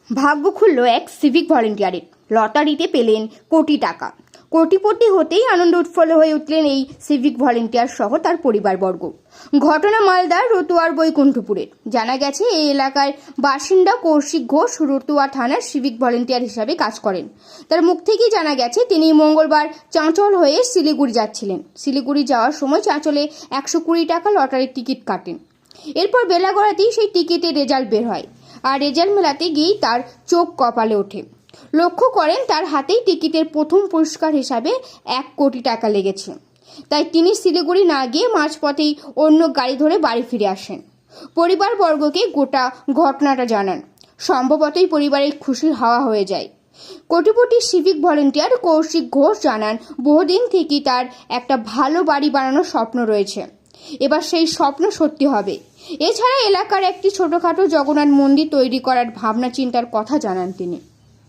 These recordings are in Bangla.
ভাগ্য খুলল এক সিভিক ভলেন্টিয়ারের। লটারিতে পেলেন কোটি টাকা। কোটিপতি হতেই আনন্দ উৎফুল্ল হয়ে উঠলেন এই সিভিক ভলেন্টিয়ার সহ তার পরিবারবর্গ। ঘটনা মালদার রতুয়ার বৈকুণ্ঠপুরের। জানা গেছে, এই এলাকার বাসিন্দা কৌশিক ঘোষ রতুয়া থানার সিভিক ভলেন্টিয়ার হিসাবে কাজ করেন। তার মুখ থেকেই জানা গেছে, তিনি মঙ্গলবার চাঁচল হয়ে শিলিগুড়ি যাচ্ছিলেন। শিলিগুড়ি যাওয়ার সময় চাঁচলে 120 টাকা লটারির টিকিট কাটেন। এরপর বেলা গড়াতেই সেই টিকিটের রেজাল্ট বের হয়, আর রেজাল্ট মেলাতে গিয়েই তার চোখ কপালে ওঠে। লক্ষ্য করেন তার হাতেই টিকিটের প্রথম পুরস্কার হিসাবে 1 কোটি টাকা লেগেছে। তাই তিনি শিলিগুড়ি না গিয়ে মাঝপথেই অন্য গাড়ি ধরে বাড়ি ফিরে আসেন। পরিবারবর্গকে গোটা ঘটনাটা জানান। সম্ভবতই পরিবারের খুশির হাওয়া হয়ে যায়। কোটিপতি সিভিক ভলেন্টিয়ার কৌশিক ঘোষ জানান, বহুদিন থেকেই তার একটা ভালো বাড়ি বানানোর স্বপ্ন রয়েছে। এবার সেই স্বপ্ন সত্যি হবে। এছাড়া এলাকার একটি ছোটখাটো জগন্নাথ মন্দির তৈরি করার ভাবনা চিন্তার কথা জানান তিনি।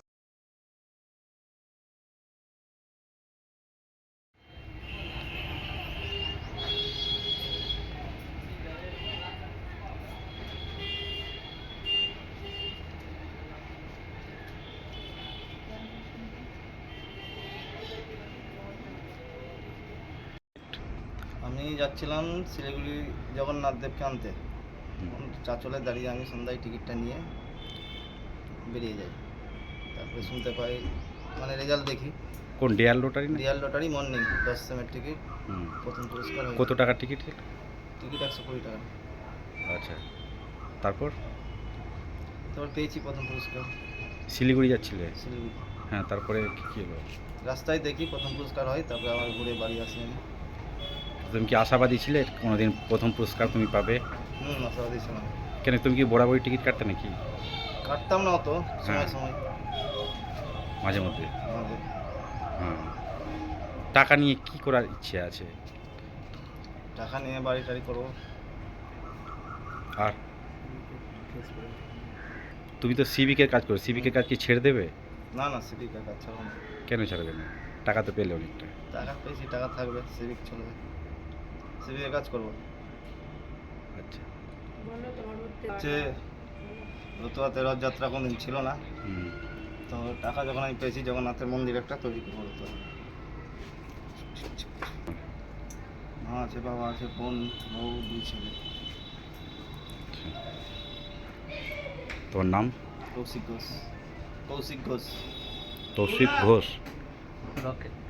আমি যাচ্ছিলাম শিলিগুড়ি জগন্নাথ দেবকে আনতে। চাঁচলে দাঁড়িয়ে আমি সন্ধ্যায় টিকিটটা নিয়ে বেরিয়ে যাই। তারপরে শুনতে পাই, মানে রেজাল্ট দেখি। কোন ডিয়ার লটারি না? রিয়াল লটারি মর্নিং 10 সেমের টিকিট, হুম। প্রথম পুরস্কার হয়েছে। কত টাকার টিকিট? টিকিট 120 টাকা। আচ্ছা, তারপর তারপর পেয়েছি প্রথম পুরস্কার। শিলিগুড়ি যাচ্ছিলে? শিলিগুড়ি হ্যাঁ, তারপরে কী হলো? রাস্তায় দেখি প্রথম পুরস্কার হয়, তারপরে আবার ঘুরে বাড়ি আসি আমি। তুমি কি আশাবাদী ছিলে কোনোদিন প্রথম পুরস্কার তুমি পাবে? আশাবাদী ছিলাম। কেন, তুমি কি বরাবরই টিকিট কাটতে নাকি? কাটতাম না অত, সময় হ্যাঁ। সময় মাঝে মধ্যে? মাঝে। হ্যাঁ। টাকা নিয়ে কি করার ইচ্ছে আছে? টাকা নিয়ে বাড়ি টাড়ি করবো। আর তুমি তো সিভিকের কাজ করো, সিভিকের কাজ কি ছেড়ে দেবে? না না, সিভিকের কাজ ছাড়বো না। কেন ছাড়বে না? টাকা তো পেলে অনেকটা। টাকা পেয়েছি, টাকা থাকবে, সিভিক চলবে, সিভিকের কাজ করবো। আচ্ছা। হচ্ছে রতুয়াতে রথযাত্রা কোনদিন ছিল না, হুম। তো টাকা যখন আমি পেয়েছি জগন্নাথের মন্দির একটা তৈরি করবো রতুয়া। মা আছে, বাবা আছে, বোন, বউ, 2 ছেলে। তোমার নাম? কৌশিক ঘোষ। কৌশিক ঘোষ। তৌসিফ ঘোষ। ওকে।